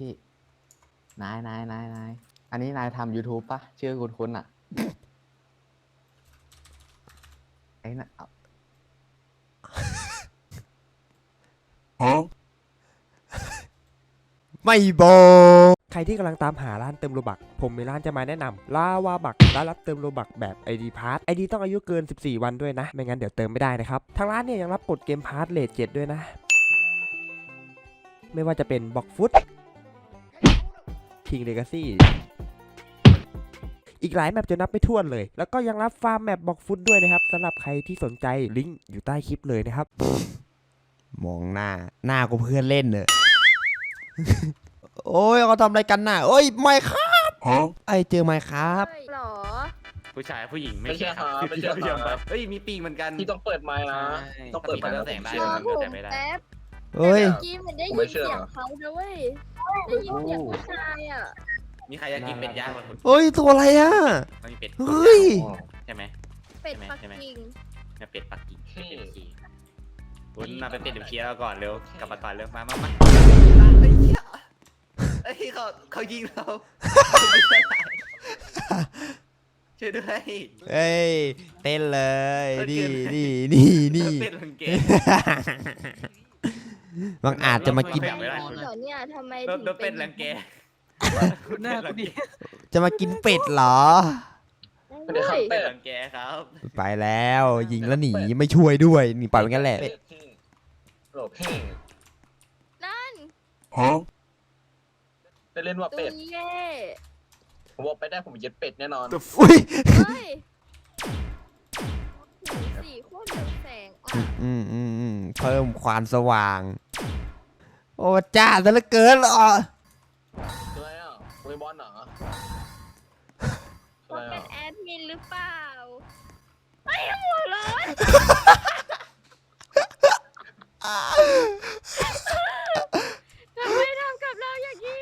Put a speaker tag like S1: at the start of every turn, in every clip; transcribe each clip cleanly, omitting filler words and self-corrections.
S1: พี่นายอันนี้นายทำ YouTube ปะชื่อคุ้นๆอ่ะไอ้น่ะ
S2: ไม่บอกใครที่กำลังตามหาร้านเติมโลบักผมมีร้านจะมาแนะนำลาวาบักร้านรับเติมโลบักแบบ ID Pass ID ต้องอายุเกิน14วันด้วยนะไม่งั้นเดี๋ยวเติมไม่ได้นะครับทางร้านเนี่ยยังรับกดเกมพาร์ทเลท7ด้วยนะไม่ว่าจะเป็นบ็อกฟุต King Legacy อีกหลายแมปจะนับไม่ถ้วนเลยแล้วก็ยังรับฟาร์มแมปบ็อกฟุตด้วยนะครับสำหรับใครที่สนใจลิงก์อยู่ใต้คลิปเลยนะครับมองหน้ากูเพื่อนเล่นเนอะ โอ้ยเขาทำอะไรกันน่ะโอ้ยไม่ครับไอเจอไหมครับ
S3: หรอ
S4: ผู้ชายผู้หญิงไม่
S5: ไม่ใช่
S4: ใช่ครับ
S5: ไม่ใช่ครับ
S4: เฮ้ยมีปีกเหมือนกัน
S5: พี่ต้องเปิดไมค์นะต้องเปิดไมค์
S4: แล้
S5: นะ
S4: วแสงได้
S3: รอ
S4: มัน
S3: ผ
S4: ก็
S3: ม
S4: แต่ไม่ได้
S3: แป๊บ
S2: เฮ้ย
S3: เมื่อกี้มันได้ยินเสียงเขาด้วยเว้ยได้ยินเสียงผู้ชายอ่ะ
S4: มีใครอยากกินเป็ดย่างบ้างคุณ
S2: เฮ้ยตัวอะไรอ่ะ
S4: มันมีเป็ด
S2: เฮ้ย
S4: ใช่ไหม
S3: เป็ดปักกิ่ง
S4: เนี่ยเป็ดปักกิ่งเป็ดเอ็มคีคุณมาเป็นเป็ดเอ็มคีแล้วก่อนเร็วกลับมาก่อนเร็วมาไอ้เหี้ยไอ้เขายิงเราช่วยด้วย
S2: เฮ้ยเต้นเลย
S4: เต้
S2: นี่
S4: นเป็ดลังเก
S2: บางอาจจะมากิน
S3: เดี๋ยวเนี่ยทำไม
S4: โด
S3: ถึ
S4: น
S3: ง
S4: เป็ดลังเก
S5: หน้ากูดิ
S2: จะมากินเป็ดเหรอ
S5: ไม่ได้ครับ
S4: เป็ดลังเกครับ
S2: ไปแล้วยิงแล้วหนีไม่ช่วยด้วยหนีปล่อยมันงั้นแหละ
S5: โหลพี่
S3: นั่น
S5: ได้เล่นว่า
S3: ตั
S5: เป็
S3: ว
S5: ด
S3: เย่
S5: ผมบอกไปได้ผมเย็ดเป็ดแน่นอน
S2: อุ้ย
S3: เฮ้ยสีโคตรเรืองแสงอ่ะ
S2: เพิ่มความสว่าง โอ้จ้าซะเหลือเกินเหรอ
S5: อะไรอ่ะมวยบอลเหรออะ
S3: ว่า
S5: ไร
S3: เป็
S5: อ่ะ
S3: นแอดมินหรือเปล่าไอ้หัวร้อนทำไมทำกับเราอย่างนี้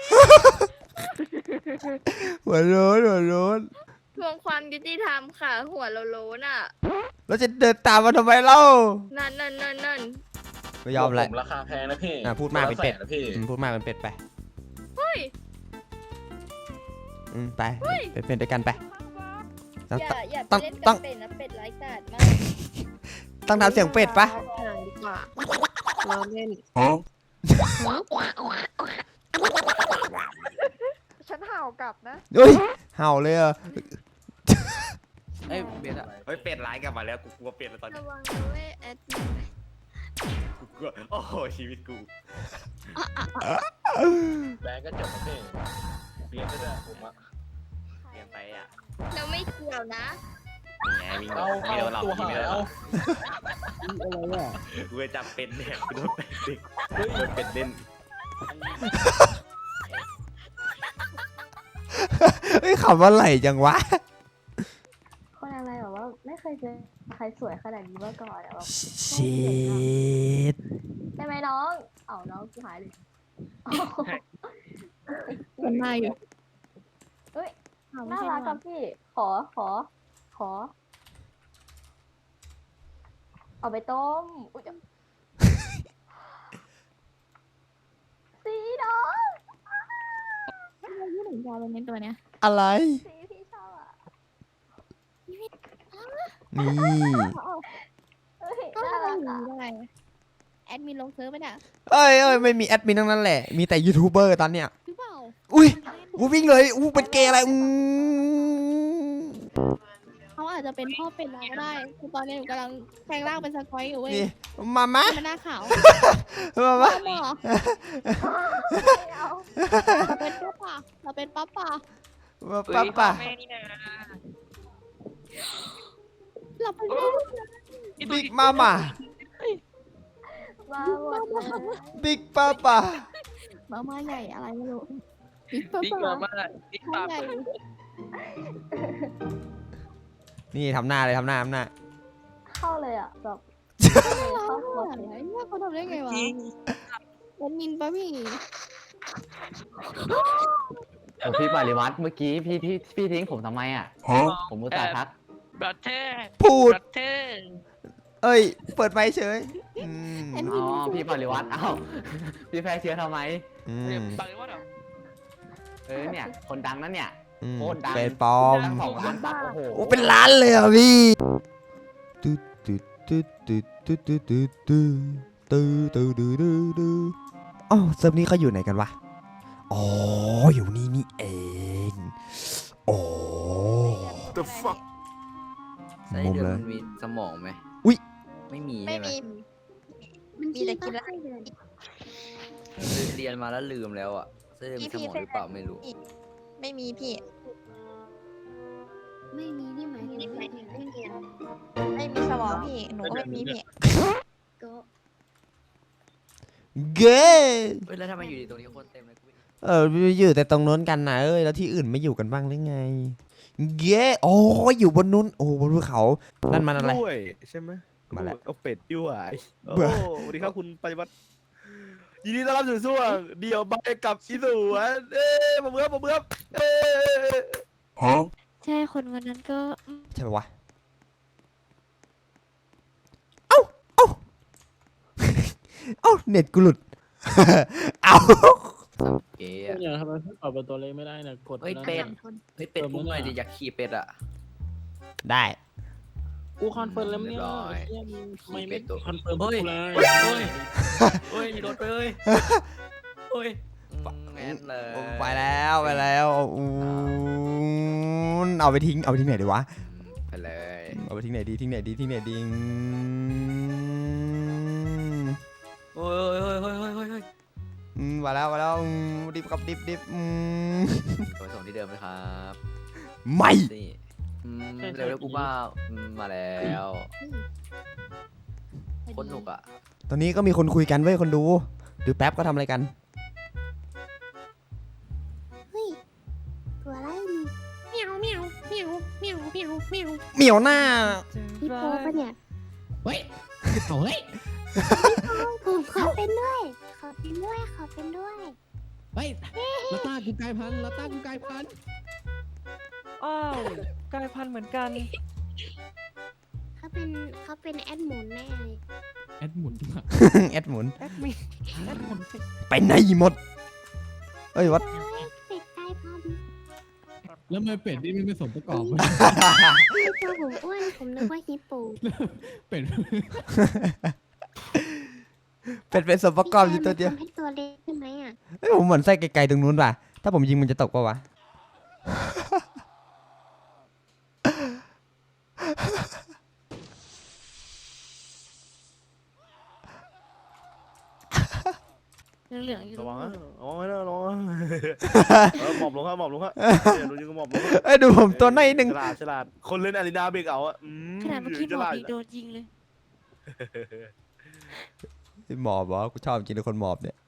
S2: หัวโล้น
S3: ทวงความยุติธรรมค่ะ หัวเราโลนอ่ะ
S2: แล้วจะเดินตามมาทำไมเล่า
S3: นั่น
S2: ไม่ยอมเลย
S5: ผมราคาแพงนะพี่
S2: พูดมากเป็นเป็ด
S5: ละแสนะพี่
S2: พูดมากเป็นเป็ดไป
S3: เฮ้ย
S2: ไปเป็นด้วยกันไป
S3: อย่า
S2: ต้
S3: ไป
S2: อง
S3: เล่น
S2: ต้
S3: กั
S2: อง
S3: บเป็ดนะเป็ดไร้กาจมาก
S2: ต้องทำเสียงเป็ดปะ
S6: ห่างดีกว่าเราเล่น ฉันเห่ากลับนะ
S2: เฮ้ยเห่าเลยอ่ะ
S1: เอ้ยเบสอะ
S4: เฮ้ยเป็ดร้ายกลับมาแล้วกูกลัวเป็ดแล้วตอนนี้
S3: ระวังนะเว้ยแอดมิน
S4: กูกลัวโอ้โหชีวิตกู
S5: แบงก์ก็เจ็บนะพี่เบียร์ก็ได้ผมอ่ะ
S4: เรียนไปอ่ะ
S3: เราไม่เกี่ยวนะ
S4: นี่ไงวิ่ง
S5: เอา
S4: ไม่โดนหรอก
S5: ตัว
S4: วิ่ง
S5: หา
S4: ไม่
S5: ย
S4: โดนหร
S5: เอา
S4: อกกูจะจับเป็ดเนี่ยกูโดนเป็ดดิโดนเป็ดเล่น
S2: เฮ้ยขำว่าไหลจังวะ
S7: คนอะไรแบบว่าไม่เคยเจอใครสวยขนาดนี้มาก่อนอะแบบ
S2: ชิด
S7: ใช่ไหมน้องเอ้าน้องหายเลย
S6: มันมาอยู่
S7: เฮ้ย
S6: อ้าวไม่
S7: น่า
S6: ใช่
S7: รักกับพี่ ขอ เอาไปต้มอุ๊ยสีน้อง
S6: เราพูดถึงยาวเลยในตัวเนี้ย
S2: อะไร
S7: สีพี่ชอบอ่ะ
S2: นี่
S7: เฮ้ย
S6: ก็
S7: น่า
S6: เรา
S7: รัก
S6: อยู่
S7: อ่ะ
S6: อะไรแอดมินลงเซิร์ฟไปน่ะ
S2: เอ้ยไม่มีแอดมินทั้งนั้นแหละ มีแต่ยูทูบเบอร์ตอนเนี้ย
S6: หรือเปล่า
S2: อุ้ยวิ่งเลยเป็นเกย์อะไร
S6: เขาอาจจะเป็นพ่อเป็นเราก็ได้คือตอนนี้หนูกำลังแปลงร่างเป็นสกอยอยู่เว้ย
S2: นี่มา
S6: มันหน้าขาว
S2: มา
S6: พ่อหมอ
S7: ไม่เอา
S6: เราเป็นป้าป่าเราเป็นป้าป่า
S2: ป่ะ
S6: เราเป็นแม่
S2: บิ๊กมาม่า
S7: มาหมดเลย
S2: บิ๊กป้าป่ะ
S6: มาม่าใหญ่อะไรไม่รู้บิ๊กป้า
S5: บิ๊ก
S6: ป่า
S5: มาม่าบิ๊ก
S6: ใช่
S5: ปา
S6: ใหญ่
S2: นี่ทำหน้าเลยทำหน้า
S7: เข้าเลยอ่ะแบบ
S6: เราอะไรเนี่ยเขาทำได้ไงวะแอดมินป่ะพี่
S1: พี่ปริวัติเมื่อกี้พี่ทิ้งผมทำไมอ่ะผมอุตส่าห์ทัก
S8: บัตเทอร์
S2: พูด
S8: บัตเทอร์
S2: เอ้ยเปิดไมค์เฉย
S1: อ๋อพี่ปริวัติเอ้าพี่แพ้เชื้อทำไม
S8: บังหรือว่าเหรอ
S1: เนี่ยคนดังนั้นเนี่ย
S2: อืม
S1: โคตรดัง
S2: เป็นปลอม
S1: ตั้ง2 ล้านบาทโอ้โห
S2: โอ้เป็นล้านเลยอ่ะพี่ตึ๊ดตึ๊ดตึ๊ดตึ๊ดตึ๊ดตึ๊ดตึ๊ดตึ๊ดตึ๊ดตึ๊ดตึ๊ดตึ๊ดตึ๊ดอ๋อเซิร์ฟนี้เขาอยู่ไหนกันวะอ๋ออยู่นี่นี่เองโอ้
S5: The fuck
S8: ไส้
S2: มุม
S8: เดือน
S2: เลย
S8: มันมีสมองไหม
S2: อุ๊ย
S8: ไม่มี
S6: ไม่
S8: ใช่ไหม
S6: มีมีแต่กินแล้ว
S8: เรียนมาแล้วลืมแล้วอ่ะไส้เดือนมีสมองหรือเปล่าไม่รู้
S6: ไม่มีพี่
S3: ไม่มีนี่หมายถึงไม่เรียน
S6: ไม่มีสมองพี่ หนูก็ไม่มีพี่
S3: ก็
S2: เก้
S8: เฮ้ยแล้วทำไมอยู่ดีตรงนี้คนเต็มเลยกูไม่
S2: อยู่แต่ตรงโน้นกันนะแล้วที่อื่นไม่อยู่กันบ้างหรือไงเก้โอ้อยู่บนนู้นโอ้บนภูเขานั่นมันอะไร
S5: ด้วยใช่ไหม
S2: มาแล้ว
S5: เอาเป็ดด้วย โอ้
S2: เบื่อ
S5: สวัสดีครับคุณปฏิวัติยินดีต้อนรับสู่ช่วงเดี่ยวใบกับอีสวนเอ้ยมาเบื่อเอ้ย
S6: ใช่คนวันนั้นก็
S2: ใช่ปะวะเอ้าเอ้าเน็ตกูหลุด เอ้า
S8: เก๋
S9: เนี่
S8: อะ
S9: ยทำไมพี่ปรับเป็นตัวเล็กไม่ได้เนี่ยกด
S8: เฮ้ย
S9: นั่น
S8: เป็ด
S9: น่ะ
S8: เฮ้ยเป็ดอุ้มหน่อยดิอยากขี่เป็ดอ่ะ
S2: ได้
S9: กูคอนเฟิร์มแล้วเนี่ย
S8: เรียบร้อย
S9: เหี้ยมึงทำไม
S8: เป็
S9: ไม่
S8: ดตัว
S9: คอนเฟิร์ม
S8: เฮ้ย
S9: กูเลย
S8: เฮ้ยโดนไปเลยเฮ้ยแม่นเลย
S2: ไปแล้วเอาไปทิ้งไหนดีวะ
S8: ไปเลย
S2: เอาไปทิ้งไหนดี
S8: โอ้ย
S2: มาแล้วดิบครับดิบ
S8: ไปส่งที่เดิมเลยครับ
S2: ไม่
S8: นี่เร็วๆกูบ้ามาแล้วโคนหนุกอ่ะ
S2: ตอนนี้ก็มีคนคุยกันเว้ยคนดูแป๊บก็ทำอะไรกัน
S6: ตัวอะไรนี่เมียวเมียวเมียวเมียวเมียวเมียว
S2: เหมียวหน้า
S6: พี่โป๊ปะเนี่ย
S9: เฮ้ยโอ้ย
S6: ผมขอเป็นด้วย ขอเป็นด้วย
S9: เฮ้ยลาต้ากูกลายพันธุ์
S10: อ้าวกลายพันธุ์เหมือนกัน
S6: เขาเป็นแอดหมุนแน่เลย
S9: แอดหมุนมา
S2: แอดหมุน
S10: แอดมินแอดมุน
S2: ไปไหนหมดเอ้ยวัด
S6: เป็ดกลายพันธุ์
S9: แล้วทำไมเป็ดนี่ไม่สมประกอบวะ
S6: ตัวผมอ้วนผมนึกว่าฮิปโป
S9: เป็ด
S2: เป็นส่วนประกอบอยู่ตัวเดียว
S6: ทำให้ตัวเล็กใช่ไหมอ่ะ
S2: เอ้ยผมเหมือนไส้ไกลๆตรงนู้นป่ะถ้าผมยิงมันจะตกป่ะวะ
S6: เหลืองๆอยู่
S5: ระวังนะระวังนะระวังนะหมอบลงครับเดี๋ยวดูยิงก็หมอบลง
S2: เอ้ยดูผมตัวน้อยหนึ่ง
S5: ฉลาดคนเล่นอารีนาเบรกเอาอะ
S6: ขนาดเมื่อกี้หมอผีโดนยิงเลย
S2: หมอบเหรอกูชอบจริงเลยคนหมอบเนี่ย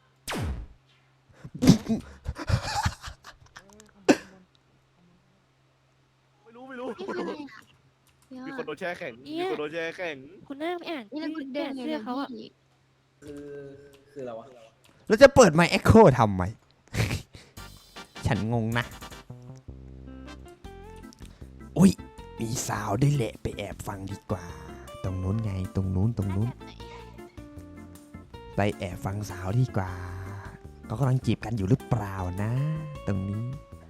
S5: ไม่รู้
S6: นี่คืออะไรอ่ะ
S5: มีคนโดนแช่แข็ง
S6: คุณน่าไปอ่านเสื้อเขาอ่ะ
S5: คืออะไรวะ
S2: แล้วจะเปิดไมค์เอ็กโคทำไม ฉันงงนะอุ้ยมีสาวด้วยแหละไปแอบฟังดีกว่า ตรงนู้นไงตรงนู้นไปแอบฟังสาวดีกว่าเขากำลังจีบกันอยู่หรือเปล่านะ ตรงนี้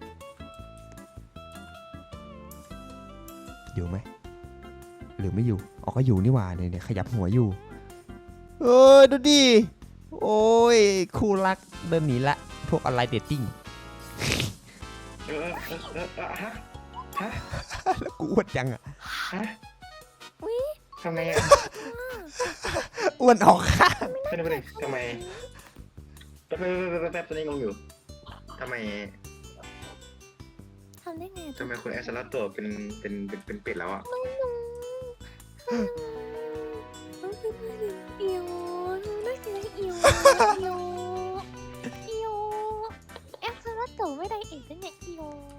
S2: อยู่ไหมหรือไม่อยู่อ๋อก็อยู่นี่หว่าเนี่ยขยับหัวอยู่เอ้ยดูดิโอ้ยคู่รักเดินหนีละพวกออนไลน์เดทติ้งแล้วกูอ้วนจังอะ
S11: ทำไมอ่ะ
S2: อ้วนออกข้าง
S11: เป็นไปทำไมแป๊บตอนนี้งงอยู่ทำไม
S6: ทำได้ไง
S11: ทำไมคุณแอสลัตตัวเป็นเป็ดแล้วอ่ะ
S6: อิวน่าจะอิวแอปสลัดโตไม่ได้เอ็ดได้ไงอิว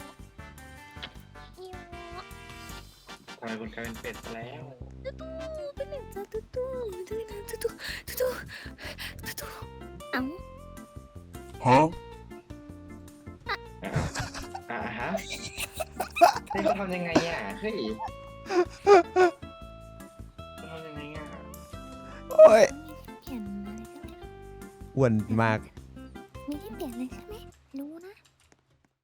S11: ทำไมคุณกลายเป็นเป็ดซะแล้ว
S6: เป็นหนึ่งจ้าตู้เอ้า
S11: ฮะนี่เขาทำยังไงอ่ะเฮ้ยเขาทำยังไงอ่ะ
S2: โอ้ย
S6: เห็นอะไรกัน
S2: อ้วนมาก